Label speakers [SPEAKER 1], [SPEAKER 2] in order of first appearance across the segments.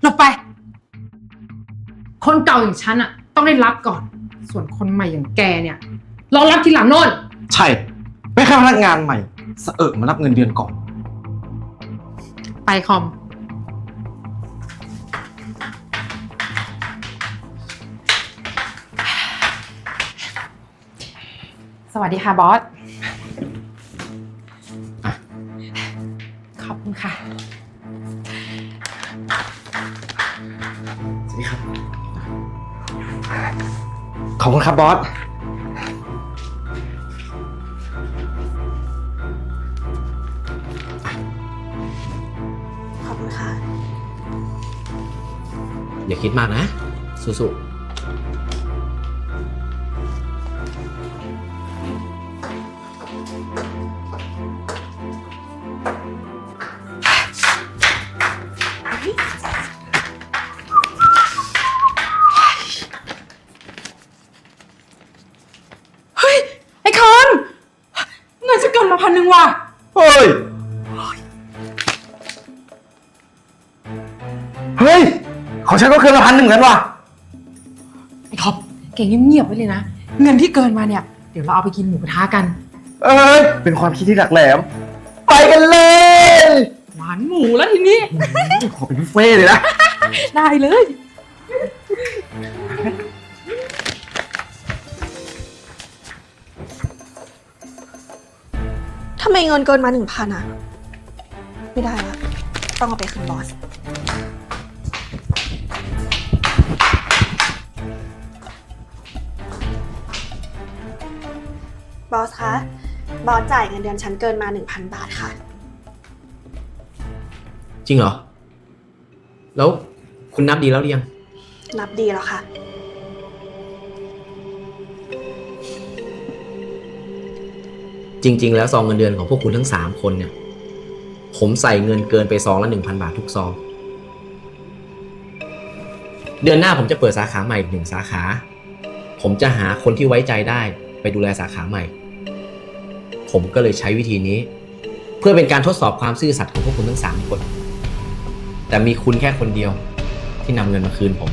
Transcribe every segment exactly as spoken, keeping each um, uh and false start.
[SPEAKER 1] หลบไปคนเก่าอย่างฉันอะต้องได้รับก่อนส่วนคนใหม่อย่างแกเนี่ยรอรับทีหลังโน่น
[SPEAKER 2] ใช่ไม่แค่พนักงานใหม่สะเอิกมารับเงินเดือนก่อน
[SPEAKER 1] ไปคอมสวัสดีค่ะบอสขอบคุณค่ะ
[SPEAKER 2] สวัสดีครับขอบคุณครับบอส
[SPEAKER 3] ขอบคุณค่ะ
[SPEAKER 4] อย่าคิดมากนะสู้ๆ
[SPEAKER 1] พันหนึ่งว่ะ
[SPEAKER 2] เฮ้ยเฮ้ยของฉันก็เกินมาพันหนึ่งเหมือนกันว่ะ
[SPEAKER 1] ไอ้ท็อปเก่งเงียบๆไว้เลยนะเงินที่เกินมาเนี่ยเดี๋ยวเราเอาไปกินหมูกระทะกัน
[SPEAKER 2] เอ้ยเป็นความคิดที่หลักแหลมไปกันเลย
[SPEAKER 1] หวานหมูแล้วทีนี้
[SPEAKER 2] ขอเป็นบุฟเฟ่เลยนะ
[SPEAKER 1] ได้เลย
[SPEAKER 3] ทำไมเงินเกินมาหนึ่งพันอ่ะไม่ได้ละต้องเอาไปคืนบอสบอสคะบอสจ่ายเงินเดือนฉันเกินมาหนึ่งพันบาทค่ะ
[SPEAKER 4] จริงเหรอแล้วคุณนับดีแล้วหรือยัง
[SPEAKER 3] นับดีแล้วค่ะ
[SPEAKER 4] จริงๆแล้วซองเงินเดือนของพวกคุณทั้งสามคนเนี่ยผมใส่เงินเกินไปซองละ หนึ่งพัน บาททุกซองเดือนหน้าผมจะเปิดสาขาใหม่อีกหนึ่งสาขาผมจะหาคนที่ไว้ใจได้ไปดูแลสาขาใหม่ผมก็เลยใช้วิธีนี้เพื่อเป็นการทดสอบความซื่อสัตย์ของพวกคุณทั้งสามคนแต่มีคุณแค่คนเดียวที่นำเงินมาคืนผม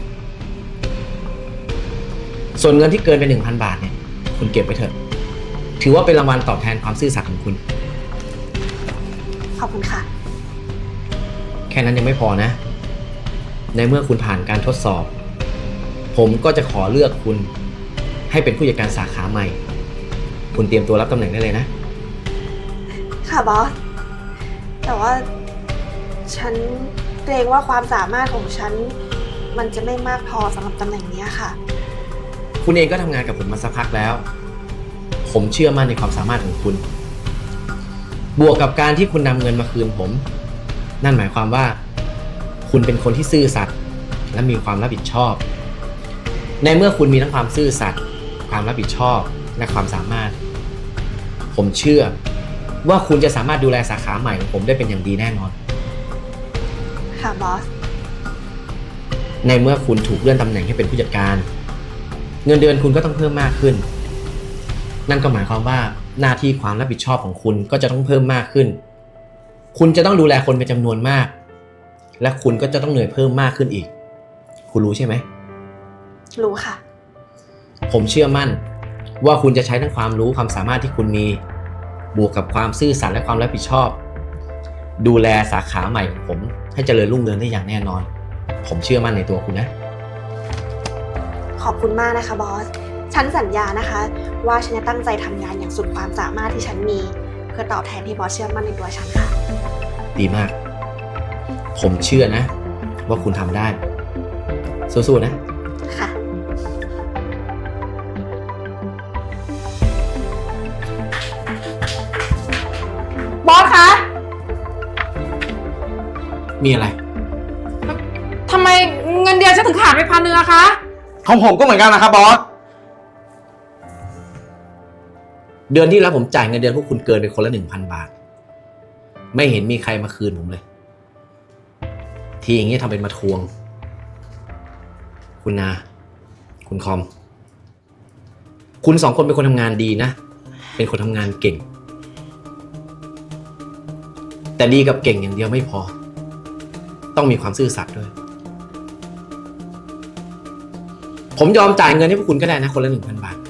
[SPEAKER 4] ส่วนเงินที่เกินไป หนึ่งพัน บาทเนี่ยคุณเก็บไว้เถอะถือว่าเป็นรางวัลตอบแทนความซื่อสัตย์ของคุณ
[SPEAKER 3] ขอบคุณค่ะ
[SPEAKER 4] แค่นั้นยังไม่พอนะในเมื่อคุณผ่านการทดสอบผมก็จะขอเลือกคุณให้เป็นผู้จัดการสาขาใหม่คุณเตรียมตัวรับตำแหน่งได้เลยนะ
[SPEAKER 3] ค่ะบอสแต่ว่าฉันเกรงว่าความสามารถของฉันมันจะไม่มากพอสำหรับตำแหน่งนี้ค่ะ
[SPEAKER 4] คุณเองก็ทำงานกับผมมาสักพักแล้วผมเชื่อมั่นในความสามารถของคุณบวกกับการที่คุณนำเงินมาคืนผมนั่นหมายความว่าคุณเป็นคนที่ซื่อสัตย์และมีความรับผิดชอบในเมื่อคุณมีทั้งความซื่อสัตย์ความรับผิดชอบและความสามารถผมเชื่อว่าคุณจะสามารถดูแลสาขาใหม่ของผมได้เป็นอย่างดีแน่นอน
[SPEAKER 3] ค่ะบอส
[SPEAKER 4] ในเมื่อคุณถูกเลื่อนตำแหน่งให้เป็นผู้จัดการเงินเดือนคุณก็ต้องเพิ่มมากขึ้นนั่นก็หมายความว่าหน้าที่ความรับผิดชอบของคุณก็จะต้องเพิ่มมากขึ้นคุณจะต้องดูแลคนเป็นจำนวนมากและคุณก็จะต้องเหนื่อยเพิ่มมากขึ้นอีกคุณรู้ใช่ไหม
[SPEAKER 3] รู้ค่ะ
[SPEAKER 4] ผมเชื่อมั่นว่าคุณจะใช้ทั้งความรู้ความสามารถที่คุณมีบวกกับความซื่อสัตย์และความรับผิดชอบดูแลสาขาใหม่ของผมให้เจริญรุ่งเรืองได้อย่างแน่นอนผมเชื่อมั่นในตัวคุณนะ
[SPEAKER 3] ขอบคุณมากนะคะบอสฉันสัญญานะคะว่าฉันจะตั้งใจทำงานอย่างสุดความสามารถที่ฉันมีเพื่อตอบแทนที่บอสเชื่อมั่นในตัวฉันค่ะ
[SPEAKER 4] ดีมากผมเชื่อนะว่าคุณทำได้สู้ๆนะ
[SPEAKER 3] ค่ะ
[SPEAKER 1] บอสคะ
[SPEAKER 4] มีอะไร
[SPEAKER 1] ทำไมเงินเดือนฉันถึงขาดไปพันหนึ่งอะคะ
[SPEAKER 2] ของผมก็เหมือนกันนะครับบอส
[SPEAKER 4] เดือนที่แล้วผมจ่ายเงินเดือนพวกคุณเกินไปคนละ หนึ่งพัน บาทไม่เห็นมีใครมาคืนผมเลยทีอย่างนี้ทำเป็นมาทวงคุณนาคุณคอมคุณสองคนเป็นคนทำงานดีนะเป็นคนทำงานเก่งแต่ดีกับเก่งอย่างเดียวไม่พอต้องมีความซื่อสัตย์ด้วยผมยอมจ่ายเงินให้พวกคุณก็ได้นะคนละหนึ่งพันบาท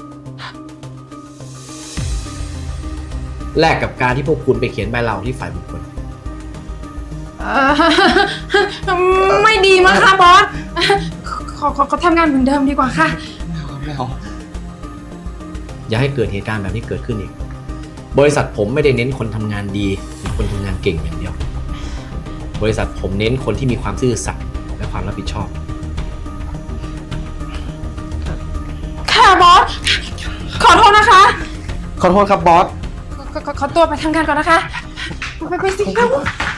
[SPEAKER 4] แลกกับการที่พวกคุณไปเขียนใบลาออกที่ฝ่ายบุคคล
[SPEAKER 1] เอ่อไม่ดีมั้งคะบอสขอขอขอทำงานเหมือนเดิมดีกว่าค่ะ
[SPEAKER 2] ไม่เอา
[SPEAKER 4] อย่าให้เกิดเหตุการณ์แบบนี้เกิดขึ้นอีก บริษัทผมไม่ได้เน้นคนทำงานดีหรือคนทำงานเก่งอย่างเดียว บริษัทผมเน้นคนที่มีความซื่อสัตย์และความรับผิดชอบ
[SPEAKER 1] ค่ะบอส ขอโทษนะคะ
[SPEAKER 2] ขอโทษครับบอส
[SPEAKER 1] ขอขอขอตัวไปทำงานก่อนนะคะ ไปไปสิครับ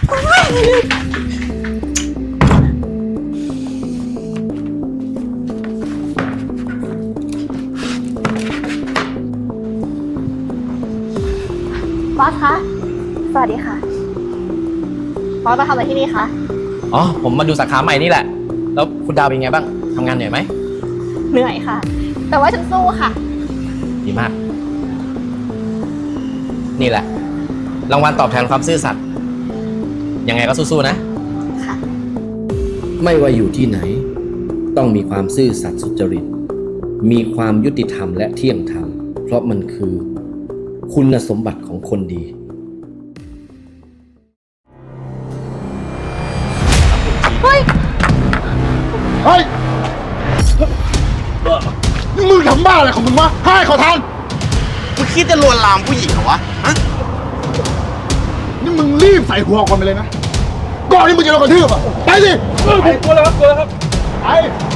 [SPEAKER 3] บอสคะ สวัสดีค่ะ บอสมาทำอะไรที่นี่คะ
[SPEAKER 4] อ๋อ ผมมาดูสาขาใหม่นี่แหละ แล้วคุณดาวเป็นไงบ้างทำงานเหนื่อยไหม
[SPEAKER 3] เหนื่อยค่ะ แต่ว่าฉันสู้ค่ะ
[SPEAKER 4] ดีมาก นี่แหละ รางวัลตอบแทนความซื่อสัตย์ยังไงก็สู้ๆนะ
[SPEAKER 3] ค่ะ
[SPEAKER 4] ไม่ว่าอยู่ที่ไหน ต้องมีความซื่อสัตย์สุจริต มีความยุติธรรมและเที่ยงธรรม เพราะมันคือคุณสมบัติของคนดี
[SPEAKER 5] เฮ้ย นี่มึงทำบ้าอะไรของมึงวะให้ขอทาน
[SPEAKER 2] มึงคิดจะลวนลามผู้หญิงเหรอวะ ฮะ
[SPEAKER 5] นี่มึงรีบใส่หัวก่อนไปเลยนะ ก่อนที่มึงจะโดนกระทืบอ่ะ ไปสิไปตัวแล้วครับตัวแล้วครับ ไป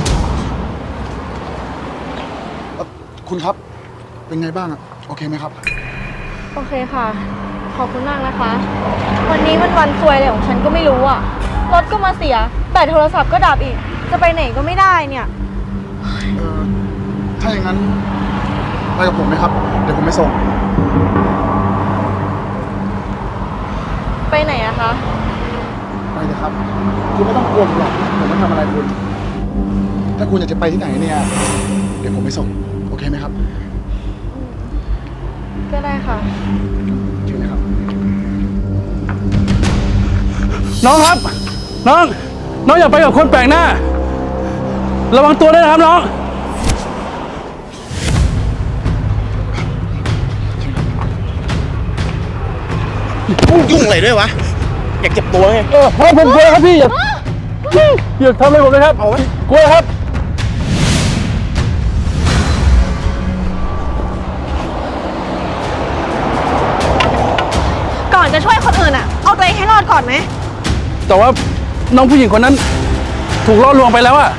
[SPEAKER 5] เอ่อคุณครับ เป็นไงบ้างอ่ะ โอเคไหมครับ
[SPEAKER 6] โอเคค่ะ ขอบคุณมากนะคะ วันนี้มันวันซวยอะไรของฉันก็ไม่รู้อ่ะ รถก็มาเสีย แบตโทรศัพท์ก็ดับอีก จะไปไหนก็ไม่ได้เนี่ย
[SPEAKER 5] เออถ้าอย่างนั้น ไปกับผมไหมครับ เดี๋ยวผมไปส่ง
[SPEAKER 6] ไปไหนอะคะ
[SPEAKER 5] ไปเลยครับ คุณไม่ต้องกลัวผมหรอกผมไม่ทำอะไรคุณ ถ้าคุณอยากจะไปที่ไหนเนี่ย เดี๋ยวผมไปส่ง โอเคไหมครับ
[SPEAKER 6] ก็ได้ค่ะ
[SPEAKER 5] เชิญเลยครับ
[SPEAKER 7] น้องครับ น้อง น้องอย่าไปกับคนแปลกหน้า ระวังตัวด้วยนะครับน้อง
[SPEAKER 2] ยุ่งอะไรด้วยวะ อยากเจ็บตัวไง
[SPEAKER 7] เออผมกลัวครับพี่อย่าอย่าทำอะไรผมเลยครับกลัวครับ
[SPEAKER 3] ก่อนจะช่วยคนอื่นอ่ะ เอาตัวเองให้รอดก่อนไหม
[SPEAKER 7] แต่ว่าน้องผู้หญิงคนนั้น ถูกล่อลวงไปแล้วอะ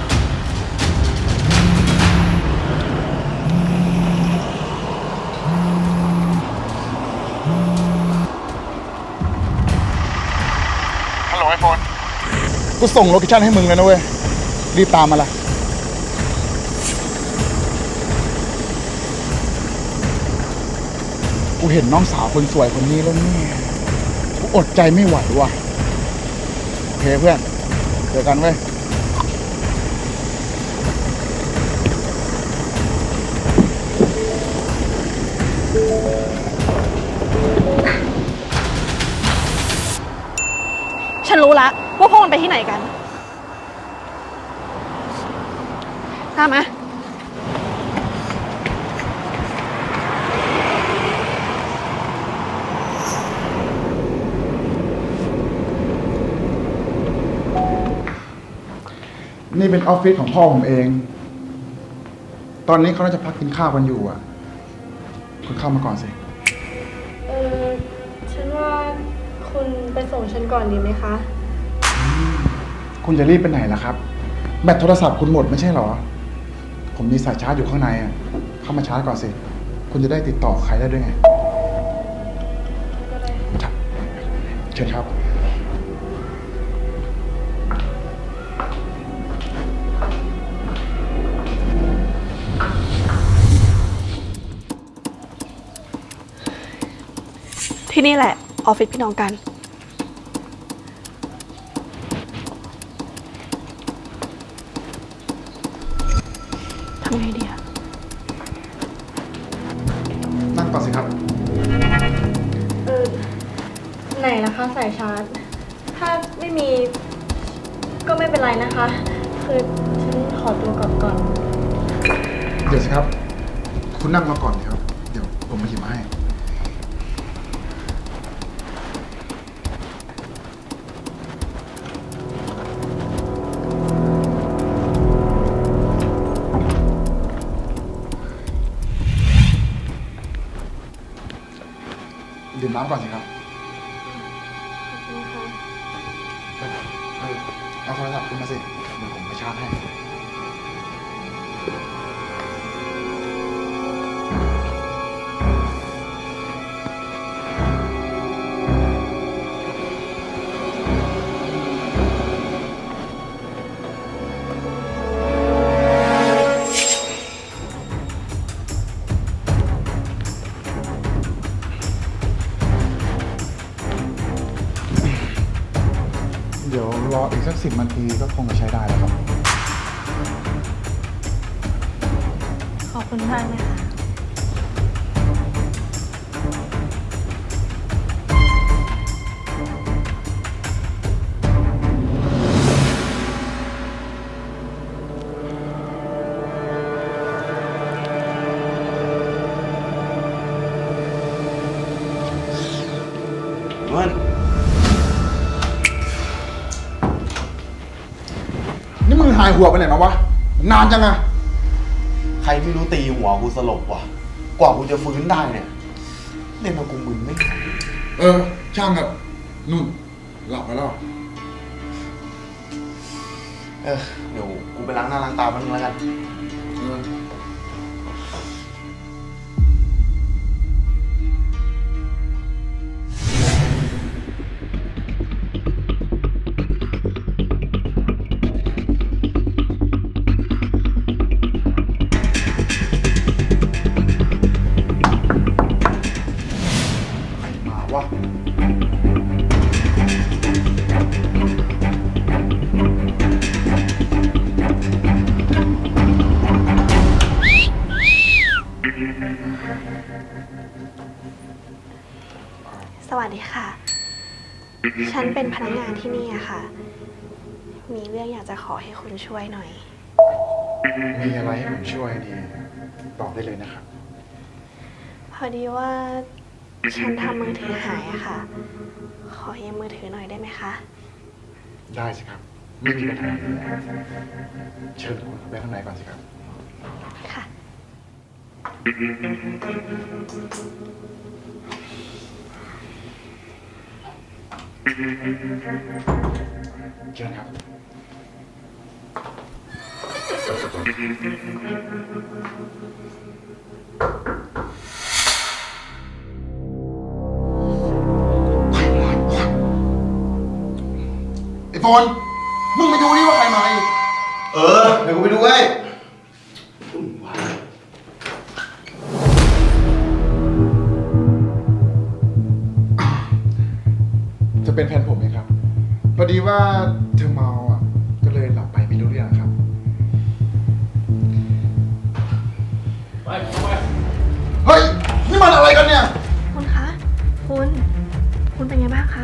[SPEAKER 5] ฮัลโหลไอโฟน กูส่งโลเคชั่นให้มึงแล้วนะเว้ย รีบตามมาละกูเห็นน้องสาวคนสวยคนนี้แล้วเนี่ย กูอดใจไม่ไหวว่ะ โอเคเพื่อน เจอกันเว้ย
[SPEAKER 3] ฉันรู้ละว่าพวกมันไปที่ไหนกันตามมา
[SPEAKER 5] นี่เป็นออฟฟิศของพ่อผมเอง ตอนนี้เขาน่าจะพักกินข้าวกันอยู่อ่ะ คุณเข้ามาก่อนสิ
[SPEAKER 6] เออฉันว่าคุณไปส่งฉันก่อนดีไหมคะ
[SPEAKER 5] คุณจะรีบไปไหนล่ะครับ แบตโทรศัพท์คุณหมดไม่ใช่เหรอ ผมมีสายชาร์จอยู่ข้างในอ่ะ เข้ามาชาร์จก่อนสิ คุณจะได้ติดต่อใครได้ด้วยไงครับเชิญครับ
[SPEAKER 3] ที่นี่แหละ ออฟฟิศพี่น้องกัน ทำไงดีอะ
[SPEAKER 5] นั่งก่อนสิครับ
[SPEAKER 6] เออไหนนะคะสายชาร์จ ถ้าไม่มีก็ไม่เป็นไรนะคะ คือฉันขอตัวกลับก่อน
[SPEAKER 5] เดี๋ยวสิครับ คุณนั่งมาก่อนครับ เดี๋ยวผมมาหยิบมาให้ ดื่มน้ำก่อนสิครับเออเอาโทรศัพท์ขึ้นมาสิ เดี๋ยวผมไปชาร์จให้ เดี๋ยวรออีกสักสิบนาทีก็คงจะใช้ได้แล้วครับ
[SPEAKER 6] ขอบคุณมากนะคะ
[SPEAKER 2] มัน
[SPEAKER 5] นี่มึงหายหัวไปไหนมาวะ นานจังอะ
[SPEAKER 2] ใครไม่รู้ตีหัวกูสลบว่ะ กว่ากูจะฟื้นได้เนี่ย เล่นมากูมึนไม่หาย
[SPEAKER 5] เออ ช่างครับนุ่น หลับไปแล้ว
[SPEAKER 2] เออ เดี๋ยวกูไปล้างหน้าล้างตาแป๊บนึงแล้วกัน
[SPEAKER 5] เออ ใครมาวะ
[SPEAKER 3] สวัสดีค่ะ ฉันเป็นพนักงานที่นี่อะค่ะ มีเรื่องอยากจะขอให้คุณช่วยหน่อย
[SPEAKER 5] มีอะไรให้ผมช่วยดี บอกได้เลยนะครับ
[SPEAKER 3] พอดีว่าฉันทำมือถือหายอะค่ะ ขอยืมมือถือหน่อยได้ไหมคะ
[SPEAKER 5] ได้สิครับ ไม่มีปัญหาอยู่แล้วเชิญคุณเข้าไปข้างในก่อนสิครับ
[SPEAKER 3] ค่ะ
[SPEAKER 5] เชิญครับ ไอ้โฟน มึงไปดูดิว่าใครมาอีก
[SPEAKER 2] เออ เดี๋ยวกูไปดูให้
[SPEAKER 5] จะเป็นแฟนผมเองครับ พอดีว่าเธอเมาอ่ะ ก็เลยหลับไปไม่รู้เรื่องครับ
[SPEAKER 7] ไปไป
[SPEAKER 5] เฮ้ย นี่มันอะไรกันเนี่ย
[SPEAKER 3] คุณคะ คุณ คุณเป็นไงบ้างคะ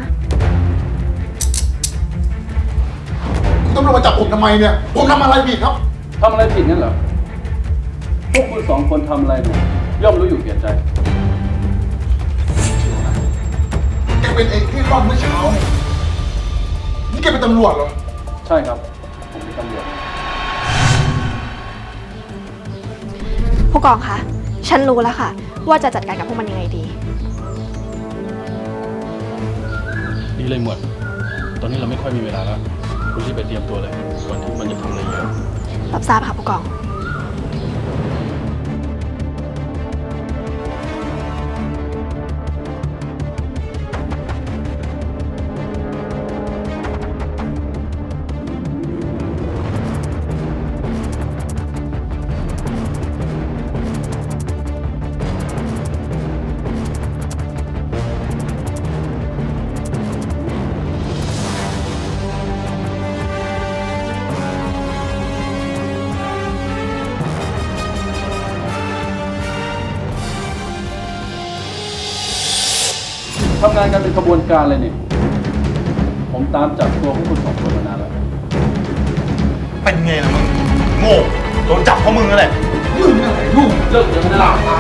[SPEAKER 5] คุณตำรวจมาจับผมทำไมเนี่ย ผมทำอะไรผิดครับ
[SPEAKER 7] ทำอะไรผิดงั้นเหรอ พวกคุณสองคนทำอะไรเนี่ยย่อมรู้อยู่แก่ใจ
[SPEAKER 5] แกเป็นไอ้ที่รอดเมื่อเช้าเนี่ยนี่แกเป็นตำรวจเหรอ
[SPEAKER 7] ใช่ครับ ผมเป็นตำรวจ
[SPEAKER 3] ผู้กองคะ ฉันรู้แล้วค่ะ ว่าจะจัดการกับพวกมันยังไงดี
[SPEAKER 7] ดีเลยหมวด ตอนนี้เราไม่ค่อยมีเวลาแล้ว คุณรีบไปเตรียมตัวเลยก่อนที่มันจะทำอะไรเยอะ
[SPEAKER 3] รับทราบค่ะผู้กอง
[SPEAKER 7] ทำงานกันเป็นขบวนการเลยนี่ ผมตามจับตัวพวกคุณสองคนมานานแล้ว
[SPEAKER 2] เป็นไงล่ะมึง โง่โดนจับเพราะมึงนั่นแหละ
[SPEAKER 7] มึงอะไรลูกเลิกเดี๋ยวมันจะลามตาย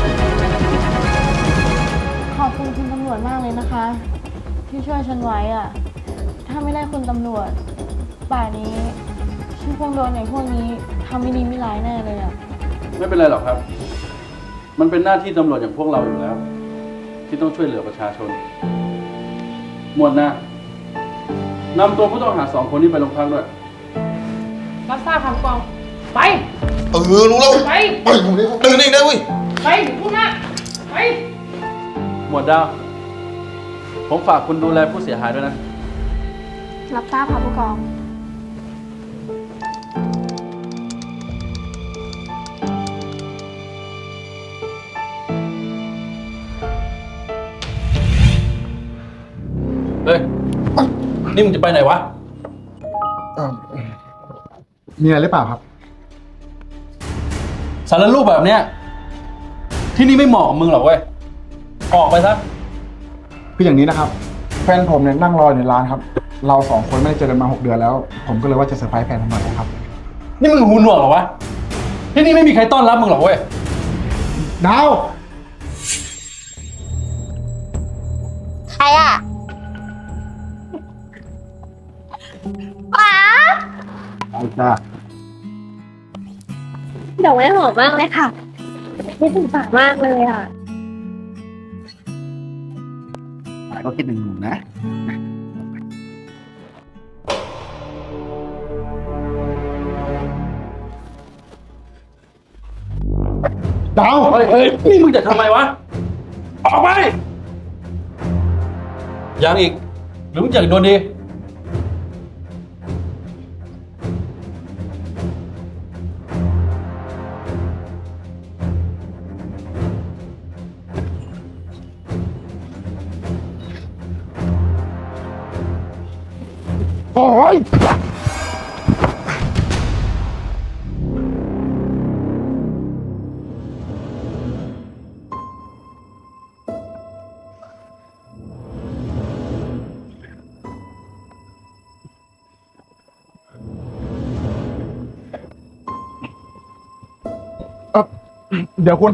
[SPEAKER 6] ขอบคุณคุณตำรวจมากเลยนะคะ ที่ช่วยฉันไว้อะถ้าไม่ได้คุณตำรวจ ป่านนี้ฉันคงโดนไอ้พวกนี้ทำไม่ดีไม่ร้ายแน่เลยอะ
[SPEAKER 7] ไม่เป็นไรหรอกครับ มันเป็นหน้าที่ตำรวจอย่างพวกเราอยู่แล้ว ที่ต้องช่วยเหลือประชาชน หมวดหน้านำตัวผู้ต้องหาสองคนนี้ไปโรงพักด้วย
[SPEAKER 1] รับทราบค่ะผู้กอง ไป
[SPEAKER 2] เออ รู้แล้ว
[SPEAKER 1] ไป
[SPEAKER 2] ไปผมนี่ตื่นเองได้เว้ย
[SPEAKER 1] ไปพูดมากไป
[SPEAKER 7] หมวดดาว ผมฝากคุณดูแลผู้เสียหายด้วยนะ
[SPEAKER 6] รับทราบค่ะผู้กอง
[SPEAKER 7] เฮ้ย นี่มึงจะไปไหนวะ
[SPEAKER 5] เอ่อมีอะไรหรือเปล่าครับ
[SPEAKER 7] สารรูปแบบเนี้ย ที่นี่ไม่เหมาะกับมึงหรอกเว้ย ออกไปซะ
[SPEAKER 5] คืออย่างนี้นะครับ แฟนผมเนี่ยนั่งรออยู่ในร้านครับ เราสองคนไม่ได้เจอกันมาหกเดือนแล้ว ผมก็เลยว่าจะเซอร์ไพรส์แฟนผมหน่อยนะครับ
[SPEAKER 7] นี่มึงหูหนวกเหรอวะ ที่นี่ไม่มีใครต้อนรับมึงหรอกเว้ย
[SPEAKER 5] ดาว
[SPEAKER 3] ใครอ่ะป๋า
[SPEAKER 5] เอาจ้า
[SPEAKER 3] ดอกไม้หอมมากเลยค่ะคิดถึงป๋ามากเลยอ่ะ
[SPEAKER 5] ก็คิดถึงหนูนะ ดาว
[SPEAKER 7] เฮ้ยเฮ้ยนี่มึงจะทำไมวะ ออกไป ยังอีก หรือมึงอยากโดนดี
[SPEAKER 5] โอ้ย เอ่อเดี๋ยวคุณ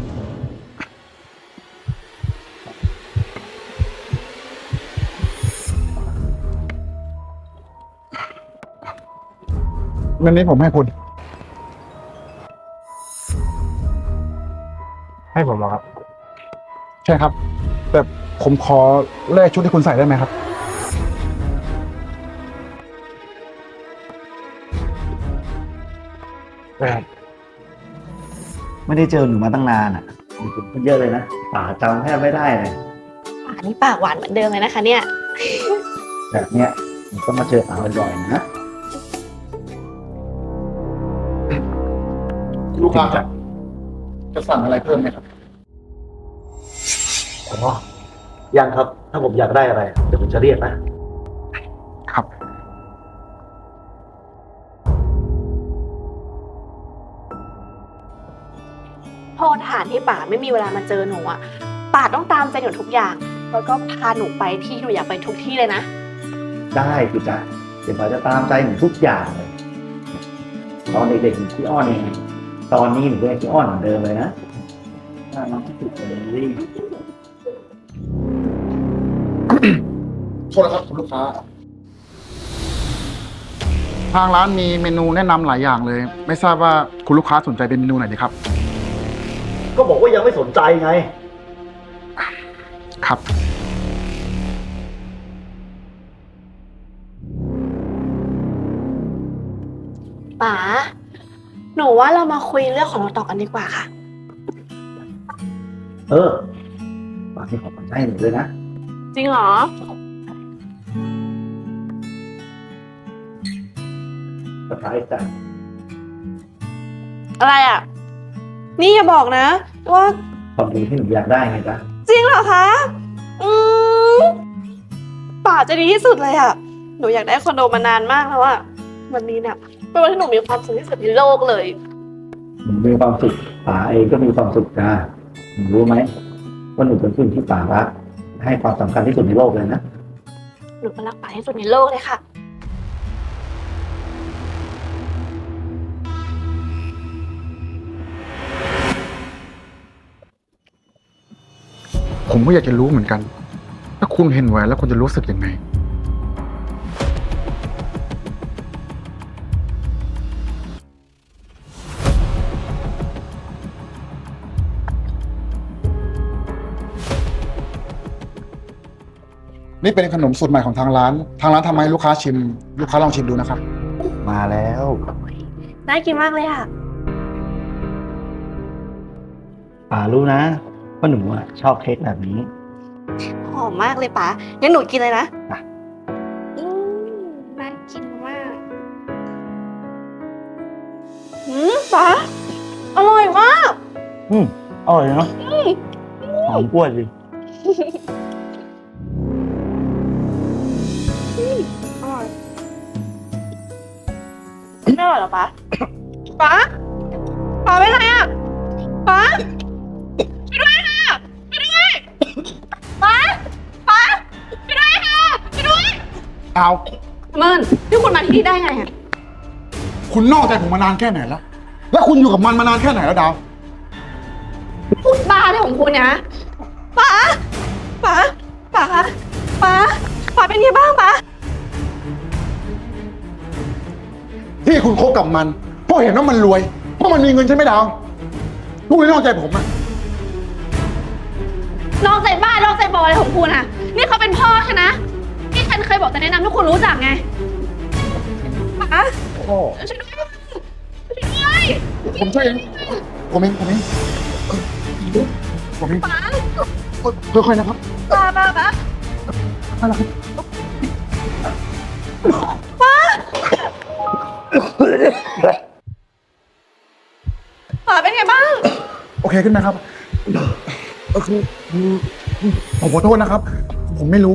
[SPEAKER 5] เงินนี้ผมให้คุณ ให้ผมเหรอครับ ใช่ครับ แต่ผมขอแลกชุดที่คุณใส่ได้ไหมครับ ได้ครับ
[SPEAKER 8] ไม่ได้เจอหนูมาตั้งนานอ่ะมีคนเยอะเลยนะป่าจำแทบไม่ได้เลย
[SPEAKER 3] ป๋านี่ปากหวานเหมือนเดิมเลยนะคะเนี่ย
[SPEAKER 8] แบบเนี้ยหนูต้องมาเจอป่าบ่อยๆนะ
[SPEAKER 5] ลูกค้าครับ จะสั่งอะไรเพิ่มไหมครับ
[SPEAKER 8] อ๋อ ยังครับ ถ้าผมอยากได้อะไร เดี๋ยวผมจะเรียกนะ
[SPEAKER 5] ครับ
[SPEAKER 3] โทษฐานที่ป๋าไม่มีเวลามาเจอหนูอ่ะป๋าต้องตามใจหนูทุกอย่าง แล้วก็พาหนูไปที่หนูอยากไปทุกที่เลยนะ
[SPEAKER 8] ได้คุณจ๊ะเดี๋ยวป่าจะตามใจหนูทุกอย่างเลย ตอนเด็กๆหนูขี้อ้อนเองตอนนี้หนูก็ยังขี้อ้อนเหมือนเดิมเลยนะน่ารักที่สุดเลย
[SPEAKER 5] โทษนะครับคุณลูกค้า ทางร้านมีเมนูแนะนำหลายอย่างเลย ไม่ทราบว่าคุณลูกค้าสนใจเป็นเมนูไหนดีครับ
[SPEAKER 8] ก็บอกว่ายังไม่สนใจไง
[SPEAKER 5] ครับ
[SPEAKER 3] ป๋า หนูว่าเรามาคุยเรื่องของเราต่อกันดีกว่าค่ะ
[SPEAKER 8] เออป่าที่ขอขอบใจหนูด้วยนะ
[SPEAKER 3] จริงเหรอ
[SPEAKER 8] สบายใจ
[SPEAKER 3] อะไรอ่ะ นี่อย่าบอกนะ ว่า
[SPEAKER 8] ความดีที่หนูอยากได้ไงจ๊ะ
[SPEAKER 3] จริงเหรอคะ อืมป๋าจะดีที่สุดเลยอ่ะ หนูอยากได้คอนโดมานานมากแล้วอ่ะ วันนี้เนี่ยเป็นวันที่หนูมีความสุขที่สุดในโลกเลย
[SPEAKER 8] หนูมีความสุขป๋าเองก็มีความสุขจ้าหนูรู้ไหมว่าหนูเป็นผู้หญิงที่ป๋ารักให้ความสำคัญที่สุดในโลกเลยนะ
[SPEAKER 3] หนูก็รักป๋าที่สุดในโลกเลยค่ะ
[SPEAKER 5] ผมก็อยากจะรู้เหมือนกัน ถ้าคุณเห็นแหวนแล้วคุณจะรู้สึกยังไง นี่เป็นขนมสูตรใหม่ของทางร้าน ทางร้านทำให้ลูกค้าชิม ลูกค้าลองชิมดูนะครับ
[SPEAKER 8] มาแล้ว
[SPEAKER 3] น่ากินมากเลยค่ะ
[SPEAKER 8] ป่ารู้นะว่าหนูอะชอบเค้กแบบนี้
[SPEAKER 3] หอมมากเลยป๋างั้นหนูกินเลยนะ
[SPEAKER 8] อ่ะ
[SPEAKER 3] อืมน่ากินมากอืมป๋าอร่อยมาก
[SPEAKER 8] อืมอร่อยเนาะหอมกล้วยดิ
[SPEAKER 3] อร่อยไม่อร่อยเหรอป๋าป๋าป๋าเป็นไรอ่ะป๋าไปด้วยค่ะไปด้วยป๋าป๋าไปด้วยค่ะไปด้วย
[SPEAKER 5] เอา
[SPEAKER 3] เมินนี่คุณมาที่นี่ได้ไงอ่ะ
[SPEAKER 5] คุณนอกใจผมมานานแค่ไหนแล้ว แล้วคุณอยู่กับมันมานานแค่ไหนแล้วดาว
[SPEAKER 3] พูดบ้าอะไรของคุณเนี่ยป๋าป๋าป๋าป๋าป๋าเป็นไงบ้างป๋า
[SPEAKER 5] ที่คุณคบกับมัน เพราะเห็นว่ามันรวย เพราะมันมีเงินใช่ไหมดาวลูกเลยนอกใจผมอะ
[SPEAKER 9] นอกใจบ้านนอกใจบออะไรของคุณอ่ะ นี่เขาเป็นพ่อฉันนะที่ฉันเคยบอกจะแนะนำให้คุณรู้จักไง
[SPEAKER 3] ป๋า
[SPEAKER 5] พ่อ
[SPEAKER 9] ช่วยด้วยช่วยด้วย
[SPEAKER 5] ผมช่วยเองผมเองผมเองผมเองค่อยๆนะครับ
[SPEAKER 3] ป๋าป๋าป๋า
[SPEAKER 5] อะไรครับ
[SPEAKER 3] ป๋าเป็นไงบ้าง
[SPEAKER 5] โอเคขึ้นไหมครับเออคือคือผมขอโทษนะครับ ผมไม่รู้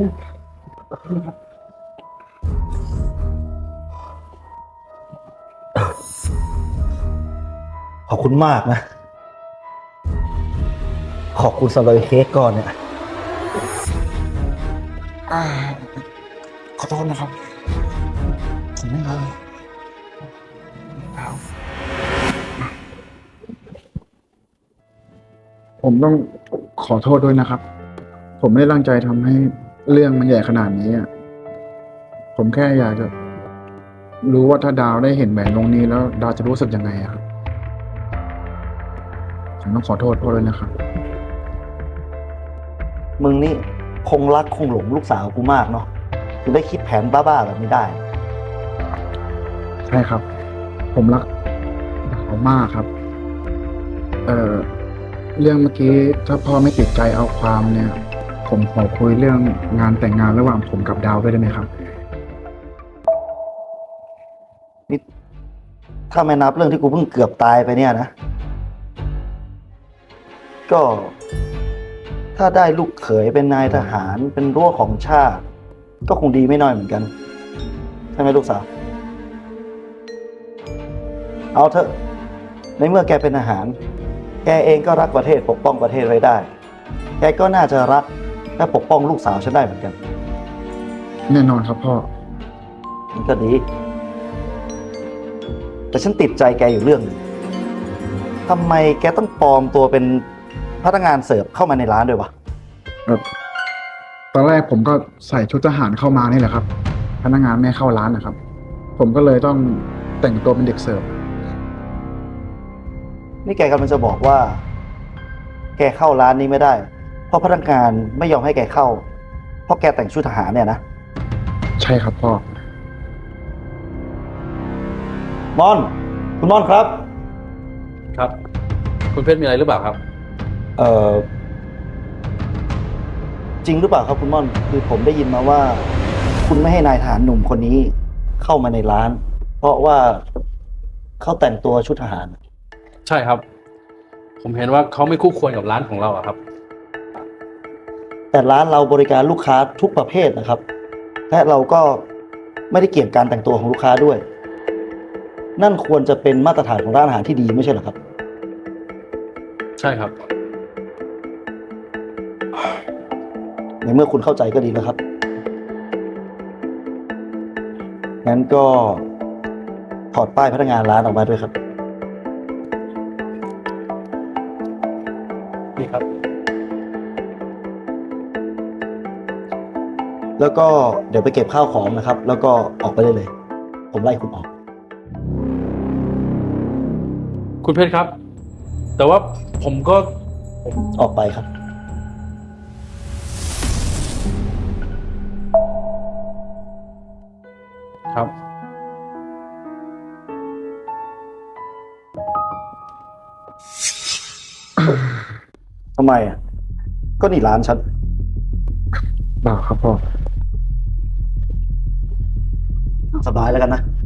[SPEAKER 8] ขอบคุณมากนะ ขอบคุณสำหรับเค้กก่อนเนี่ย
[SPEAKER 5] อ่า ขอโทษนะครับ ผมไม่รู้แล้วผมต้องขอโทษด้วยนะครับ ผมไม่ได้ตั้งใจทำให้เรื่องมันใหญ่ขนาดนี้อ่ะ ผมแค่อยากจะรู้ว่าถ้าดาวได้เห็นแหวนวงนี้แล้วดาวจะรู้สึกยังไงอะครับ ผมต้องขอโทษพ่อด้วยนะครับ
[SPEAKER 8] มึงนี่คงรักคงหลงลูกสาวกูมากเนาะถึงได้คิดแผนบ้าๆแบบนี้ได้
[SPEAKER 5] ใช่ครับ ผมรักเขามากครับ เอ่อ เรื่องเมื่อกี้ถ้าพ่อไม่ติดใจเอาความเนี่ย ผมขอคุยเรื่องงานแต่งงานระหว่างผมกับดาวด้วยได้ไหมครับ
[SPEAKER 8] นี่ถ้าไม่นับเรื่องที่กูเพิ่งเกือบตายไปเนี่ยนะ ก็ ถ้าได้ลูกเขยเป็นนายทหารเป็นรั้วของชาติ ก็คงดีไม่น้อยเหมือนกัน ใช่ไหมลูกสาว เอาเถอะ ในเมื่อแกเป็นทหาร แกเองก็รักประเทศปกป้องประเทศไว้ได้ แกก็น่าจะรักและปกป้องลูกสาวฉันได้เหมือนกัน
[SPEAKER 5] แน่นอนครับพ่อ
[SPEAKER 8] มันก็ดี แต่ฉันติดใจแกอยู่เรื่องหนึงทำไมแกต้องปลอมตัวเป็นพนักงานเสิร์ฟเข้ามาในร้านด้วยวะ
[SPEAKER 5] ตอนแรกผมก็ใส่ชุดทหารเข้ามานี่แหละครับ พนักงานไม่ให้เข้าร้านนะครับ ผมก็เลยต้องแต่งตัวเป็นเด็กเสิร์ฟ
[SPEAKER 8] นี่แกกำลังจะบอกว่า แกเข้าร้านนี้ไม่ได้ เพราะพนักงานไม่ยอมให้แกเข้า เพราะแกแต่งชุดทหารเนี่ยนะ
[SPEAKER 5] ใช่ครับพ่อ
[SPEAKER 8] ม่อน คุณม่อนครับ
[SPEAKER 7] ครับ คุณเพชรมีอะไรหรือเปล่าครับ
[SPEAKER 8] เอ่อ จริงหรือเปล่าครับคุณม่อน คือผมได้ยินมาว่า คุณไม่ให้นายทหารหนุ่มคนนี้เข้ามาในร้าน เพราะว่าเขาแต่งตัวชุดทหาร
[SPEAKER 7] ใช่ครับ ผมเห็นว่าเขาไม่คู่ควรกับร้านของเราอะครับ
[SPEAKER 8] แต่ร้านเราบริการลูกค้าทุกประเภทนะครับ และเราก็ไม่ได้เกี่ยงการแต่งตัวของลูกค้าด้วย นั่นควรจะเป็นมาตรฐานของร้านอาหารที่ดีไม่ใช่เหรอครับ
[SPEAKER 7] ใช่ครับ
[SPEAKER 8] ในเมื่อคุณเข้าใจก็ดีแล้วครับ งั้นก็ถอดป้ายพนักงานร้านออกมาด้วยครับ
[SPEAKER 7] นี่ครับ
[SPEAKER 8] แล้วก็เดี๋ยวไปเก็บข้าวของนะครับ แล้วก็ออกไปได้เลย ผมไล่คุณออก
[SPEAKER 7] คุณเพชรครับ แต่ว่าผมก็
[SPEAKER 8] ออกไปครับ
[SPEAKER 7] ครับ
[SPEAKER 8] ทำไมอ่ะ ก็นี่ร้านฉัน
[SPEAKER 5] เปล่าครับพ่อ
[SPEAKER 8] สบายแล้วกันนะ